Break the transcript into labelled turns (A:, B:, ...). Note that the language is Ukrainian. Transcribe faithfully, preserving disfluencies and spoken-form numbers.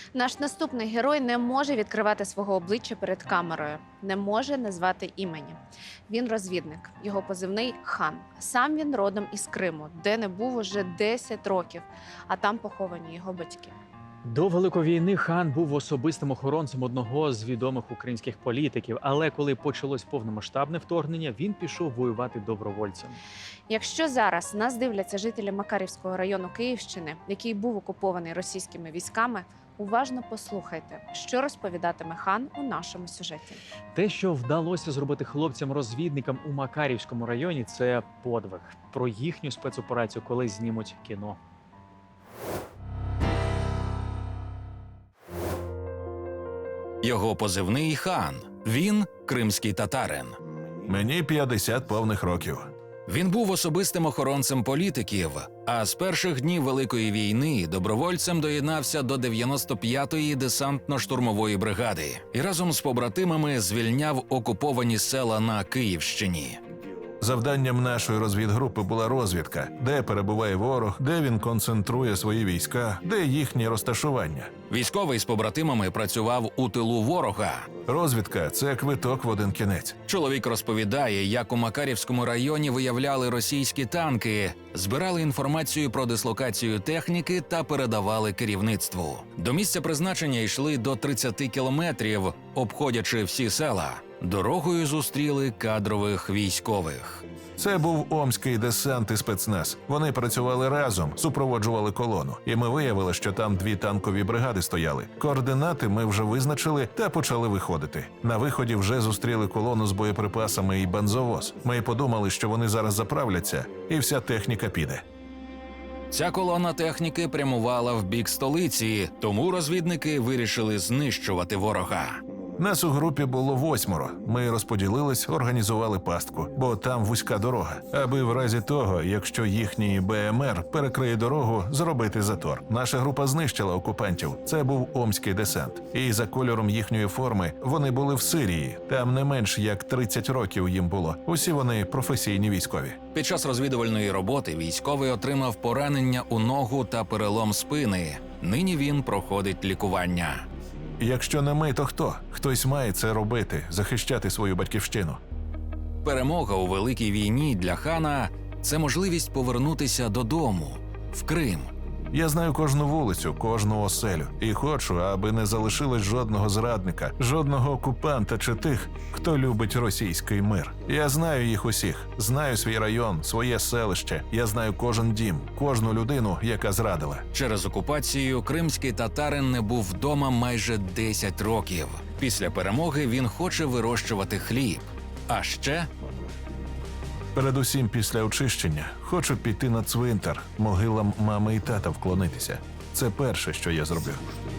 A: Наш наступний герой не може відкривати свого обличчя перед камерою, не може назвати імені. Він розвідник, його позивний Хан. Сам він родом із Криму, де не був уже десять років, а там поховані його батьки.
B: До Великої війни хан був особистим охоронцем одного з відомих українських політиків, але коли почалось повномасштабне вторгнення, він пішов воювати добровольцем.
A: Якщо зараз нас дивляться жителі Макарівського району Київщини, який був окупований російськими військами, уважно послухайте, що розповідатиме Хан у нашому сюжеті.
B: Те, що вдалося зробити хлопцям-розвідникам у Макарівському районі, це подвиг. Про їхню спецоперацію колись знімуть кіно.
C: Його позивний Хан. Він кримський татарин.
D: Мені п'ятдесят повних років.
C: Він був особистим охоронцем політиків, а з перших днів Великої війни добровольцем доєднався до дев'яносто п'ятої десантно-штурмової бригади і разом з побратимами звільняв окуповані села на Київщині.
D: Завданням нашої розвідгрупи була розвідка, де перебуває ворог, де він концентрує свої війська, де їхнє розташування.
C: Військовий з побратимами працював у тилу ворога.
D: Розвідка – це квиток в один кінець.
C: Чоловік розповідає, як у Макарівському районі виявляли російські танки, збирали інформацію про дислокацію техніки та передавали керівництву. До місця призначення йшли до тридцяти кілометрів, обходячи всі села. Дорогою зустріли кадрових військових.
D: Це був омський десант і спецназ. Вони працювали разом, супроводжували колону. І ми виявили, що там дві танкові бригади стояли. Координати ми вже визначили та почали виходити. На виході вже зустріли колону з боєприпасами і бензовоз. Ми й подумали, що вони зараз заправляться, і вся техніка піде.
C: Ця колона техніки прямувала в бік столиці, тому розвідники вирішили знищувати ворога.
D: Нас у групі було восьмеро. Ми розподілились, організували пастку, бо там вузька дорога, аби в разі того, якщо їхній Б М Р перекриє дорогу, зробити затор. Наша група знищила окупантів. Це був омський десант. І за кольором їхньої форми вони були в Сирії. Там не менш як тридцять років їм було. Усі вони професійні військові.
C: Під час розвідувальної роботи військовий отримав поранення у ногу та перелом спини. Нині він проходить лікування.
D: Якщо не ми, то хто? Хтось має це робити, захищати свою батьківщину.
C: Перемога у Великій війні для Хана – це можливість повернутися додому, в Крим.
D: Я знаю кожну вулицю, кожну оселю. І хочу, аби не залишилось жодного зрадника, жодного окупанта чи тих, хто любить російський мир. Я знаю їх усіх, знаю свій район, своє селище. Я знаю кожен дім, кожну людину, яка зрадила.
C: Через окупацію кримський татарин не був вдома майже десять років. Після перемоги він хоче вирощувати хліб. А ще...
D: Передусім після очищення хочу піти на цвинтар, могилам мами і тата вклонитися. Це перше, що я зроблю.